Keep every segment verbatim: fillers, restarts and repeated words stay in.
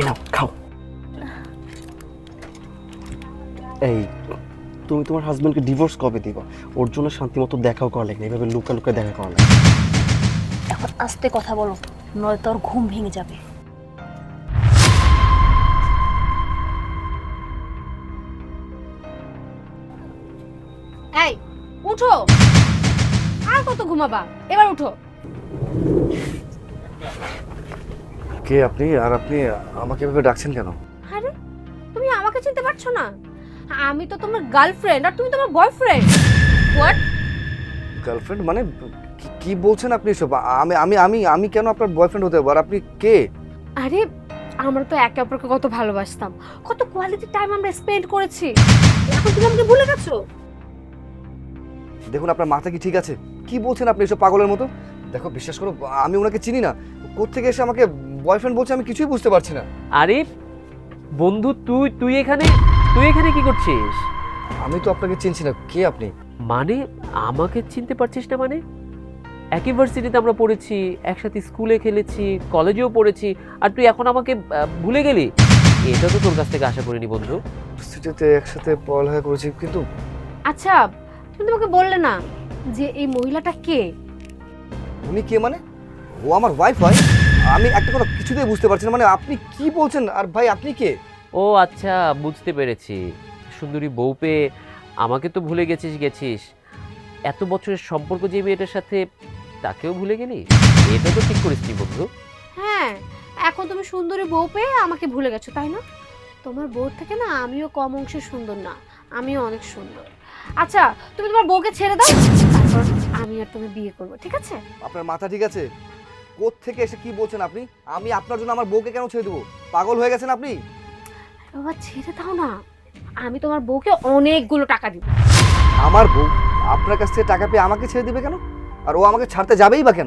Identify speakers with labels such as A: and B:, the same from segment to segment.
A: এই নাও খাও। এই তুমি তোমার হাজবেন্ডকে ডিভোর্স কবে দিবা? ওর জন্য শান্তিমতো দেখাও করা লাগে না, এভাবে লুকা লুকা দেখা করা লাগে।
B: এখন আস্তে কথা বলো, নয়তো ওর ঘুম ভেঙে যাবে।
C: এই উঠো, আর কত ঘুমাবা, এবার উঠো।
D: কে আপনি? আর আপনি আমাকে এভাবে ডাকছেন কেন?
C: আরে তুমি আমাকে চিনতে পারছো না? আমি তো তোমার গার্লফ্রেন্ড আর তুমি তোমার বয়ফ্রেন্ড। হোয়াট?
D: গার্লফ্রেন্ড মানে কি- কি বলছেন আপনি সব? আমি আমি আমি আমি কেন আপনার বয়ফ্রেন্ড হতে পারবো? আর আপনি কে?
C: আরে আমরা তো একে অপরকে কত ভালোবাসতাম, কত কোয়ালিটি টাইম আমরা স্পেন্ড করেছি, এখন তুমি আমাকে ভুলে গেছো?
D: দেখুন আপনার মাথা কি ঠিক আছে? কি বলছেন আপনি এসব পাগলের মতো? দেখো বিশ্বাস করো, আমি ওনাকে চিনি না। কোত্থেকে এসে আমাকে বয়ফ্রেন্ড বলছে আমি কিছুই বুঝতে পারছি না।
E: আরে বন্ধু, তুই তুই এখানে তুই এখানে কি করছিস?
D: আমি তো আপনাকে চিনছি না, কে আপনি?
E: মানে আমাকে চিনতে পারছিস না মানে? একই ভার্সিটিতে আমরা পড়েছি, একসাথে স্কুলে খেলেছি, কলেজেও পড়েছি, আর তুই এখন আমাকে আহ, ভুলে গেলি? এটা তো তোর কাছ থেকে আশা করিনি বন্ধু।
D: সিটিতে একসাথে পড়ালেখা করেছি, কিন্তু
C: আচ্ছা তুমি তোমাকে বললে না যে এই মহিলাটা কে?
D: উনি কে মানে? ও আমার ওয়াইফ হয়? আমি একটা কথা কিছুতেই বুঝতে পারছি না, মানে আপনি কি বলছেন? আর ভাই আপনি কে?
E: ও আচ্ছা, বুঝতে পেরেছি। সুন্দরী বউ পেয়ে আমাকে তো ভুলে গেছিস গেছিস এত বছরের সম্পর্ক যে মেয়েটার সাথে, তাকেও ভুলে গেলি? এটা তো ঠিক করিসনি বন্ধু।
C: হ্যাঁ, এখন তুমি সুন্দরী বউ পেয়ে আমাকে ভুলে গেছো, তাই না? তোমার বউর থেকে না আমিও কম অংশে সুন্দর না, আমিও অনেক সুন্দর। আচ্ছা তুমি তোমার বউকে ছেড়ে দাও, তারপর আমি আর তুমি বিয়ে করবো, ঠিক আছে?
D: আপনার মাথা ঠিক আছে? কোত্থেকে এসে কি বলছেন আপনি? আমি আপনার জন্য আমার বউকে কেন ছেড়ে দেবো? পাগল হয়ে গেছেন আপনি?
C: বাবা ছেড়ে দাও না, আমি তোমার বউকে অনেকগুলো টাকা দিব।
D: আমার বউ আপনার কাছ থেকে টাকা পেয়ে আমাকে ছেড়ে দিবে কেন? আর ও আমাকে ছাড়তে যাবেই বা কেন?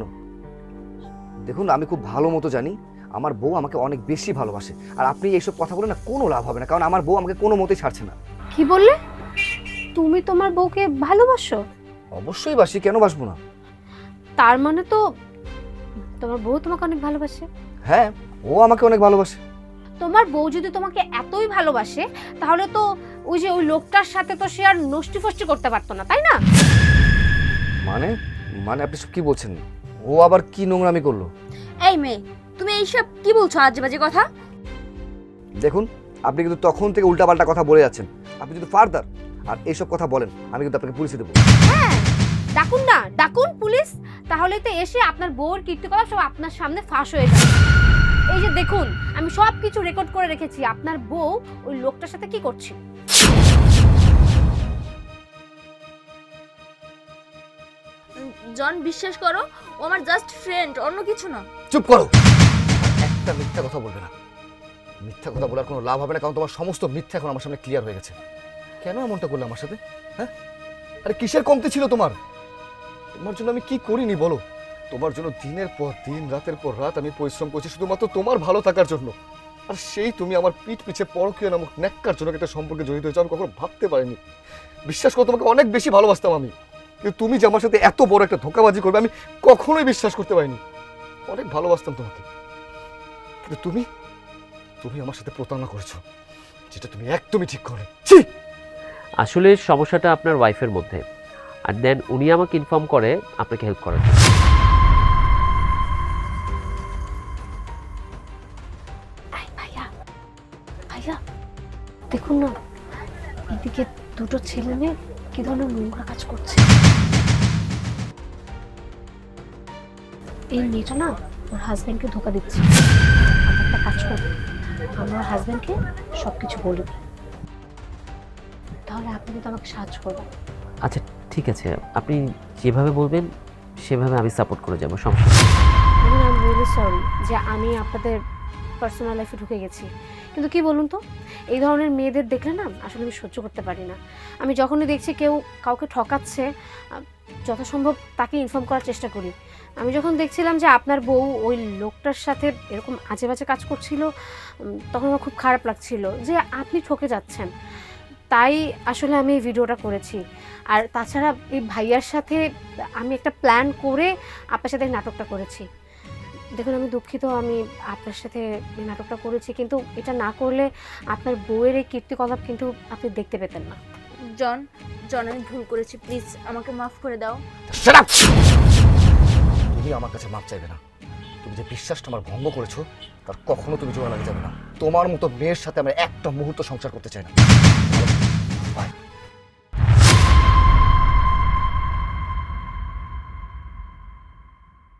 D: দেখুন আমি খুব ভালো মতো জানি আমার বউ আমাকে অনেক বেশি ভালোবাসে, আর আপনি এইসব কথা বলে না কোনো লাভ হবে না, কারণ আমার বউ আমাকে কোনো মতেই ছাড়ছে না।
C: কি বললে? তুমি তোমার বউকে ভালোবাসো?
D: অবশ্যই বাসি, কেন বাসবো না?
C: তার মানে তো তোমার বউ তোমাকে অনেক ভালোবাসে।
D: হ্যাঁ, ও আমাকে অনেক ভালোবাসে।
C: তোমার বউ যদি তোমাকে এতই ভালোবাসে, তাহলে তো ওই যে ওই লোকটার সাথে তো সে আর নষ্টি ফষ্টি করতে পারতো না, তাই না?
D: মানে মানে আপনি সব কি বলছেন? ও আবার কি নোংরামি করলো?
B: এই মেয়ে, তুমি এইসব কি বলছো আজে বাজে কথা?
D: দেখুন আপনি কিন্তু তখন থেকে উল্টাপাল্টা কথা বলে যাচ্ছেন। আপনি যদি ফার্দার আর এইসব কথা বলেন আমি কিন্তু আপনাকে পুলিশে দেবো।
C: হ্যাঁ, ডাকুন না, ডাকুন পুলিশ, তাহলে তো এসে আপনার বউর কীর্তিকলাপ সব আপনার সামনে ফাঁস হয়ে যাবে। এই যে দেখুন, আমি সব কিছু রেকর্ড করে রেখেছি আপনার বউ ওই লোকটার সাথে কি করছে।
B: জন, বিশ্বাস করো, ও আমার জাস্ট ফ্রেন্ড, অন্য কিছু না।
D: চুপ করো, একটা মিথ্যা কথা বলবে না। মিথ্যা কথা বলার কোনো লাভ হবে না, কারণ তোমার সমস্ত মিথ্যা এখন আমার সামনে ক্লিয়ার হয়ে গেছে। কেন এমনটা করলে আমার সাথে? হ্যাঁ, আরে কিসের কমতি ছিল তোমার? তোমার জন্য আমি কি করিনি বলো? তোমার জন্য দিনের পর দিন, রাতের পর রাত আমি পরিশ্রম করছি শুধুমাত্র তোমার ভালো থাকার জন্য। আর সেই তুমি আমার পিঠ পিছে পরকীয় নামক ন্যাক্কার জন্য একটা সম্পর্কে জড়িত হয়েছো, আমি কখনো ভাবতে পারিনি। বিশ্বাস করো, তোমাকে অনেক বেশি ভালোবাসতাম আমি, কিন্তু তুমি যে আমার সাথে এত বড় একটা ধোঁকাবাজি করবে আমি কখনোই বিশ্বাস করতে পারিনি। অনেক ভালোবাসতাম তোমাকে, কিন্তু তুমি তুমি আমার সাথে প্রতারণা করেছো, যেটা তুমি একদমই ঠিক করো। ছি!
E: আসলে সমস্যাটা আপনার ওয়াইফের মধ্যে, আর দেন উনি আমাকে ইনফর্ম করে আপনাকে হেল্প করার জন্য।
C: আই ভাইয়া, ভাইয়া দেখুন না, এদিকে দুটো ছেলে মেয়ে কি ধরনের নোংরা কাজ করছে। এই মেয়েটা না ওর হাজব্যান্ডকে ধোকা দিচ্ছে। আমরা একটা কাজ করবো, আমরা ওর হাজব্যান্ডকে সব কিছু বলে দিই, তাহলে আপনি কিন্তু আমাকে সাহায্য করবেন।
E: আচ্ছা ঠিক আছে, আপনি যেভাবে বলবেন সেভাবে আমি সাপোর্ট করে যাব, সমস্যা নেই।
C: দেখুন, আই এম রিয়েলি সরি যে আমি আপনাদের পার্সোনাল লাইফে ঢুকে গেছি, কিন্তু কি বলুন তো, এই ধরনের মেয়েদের দেখলে না আসলে আমি সহ্য করতে পারি না। আমি যখনই দেখছি কেউ কাউকে ঠকাচ্ছে, আহ, যথাসম্ভব তাকে ইনফর্ম করার চেষ্টা করি। আমি যখন দেখছিলাম যে আপনার বউ ওই লোকটার সাথে এরকম আজে বাজে কাজ করছিল, উম, তখন আমার খুব খারাপ লাগছিল যে আপনি ঠকে যাচ্ছেন। তাই আসলে আমি এই ভিডিওটা করেছি। আর তাছাড়া এই ভাইয়ার সাথে আমি একটা প্ল্যান করে আপনার সাথে এই নাটকটা করেছি। দেখুন আমি দুঃখিত, আমি আপনার সাথে এই নাটকটা করেছি, কিন্তু এটা না করলে আপনার বউয়ের এই কীর্তিকলাপ কিন্তু আপনি দেখতে পেতেন না।
B: জন জন আমি ভুল করেছি, প্লিজ আমাকে মাফ করে দাও।
D: Shut up! তুমি আমার কাছে মাপ চাইবে না। তুমি যে বিশ্বাসটা আমার ভঙ্গ করেছো তার কখনো তুমি জোড়া লাগে যাবে না। তোমার মতো মেয়ের সাথে আমরা একটা মুহূর্ত সংসার করতে চাই না।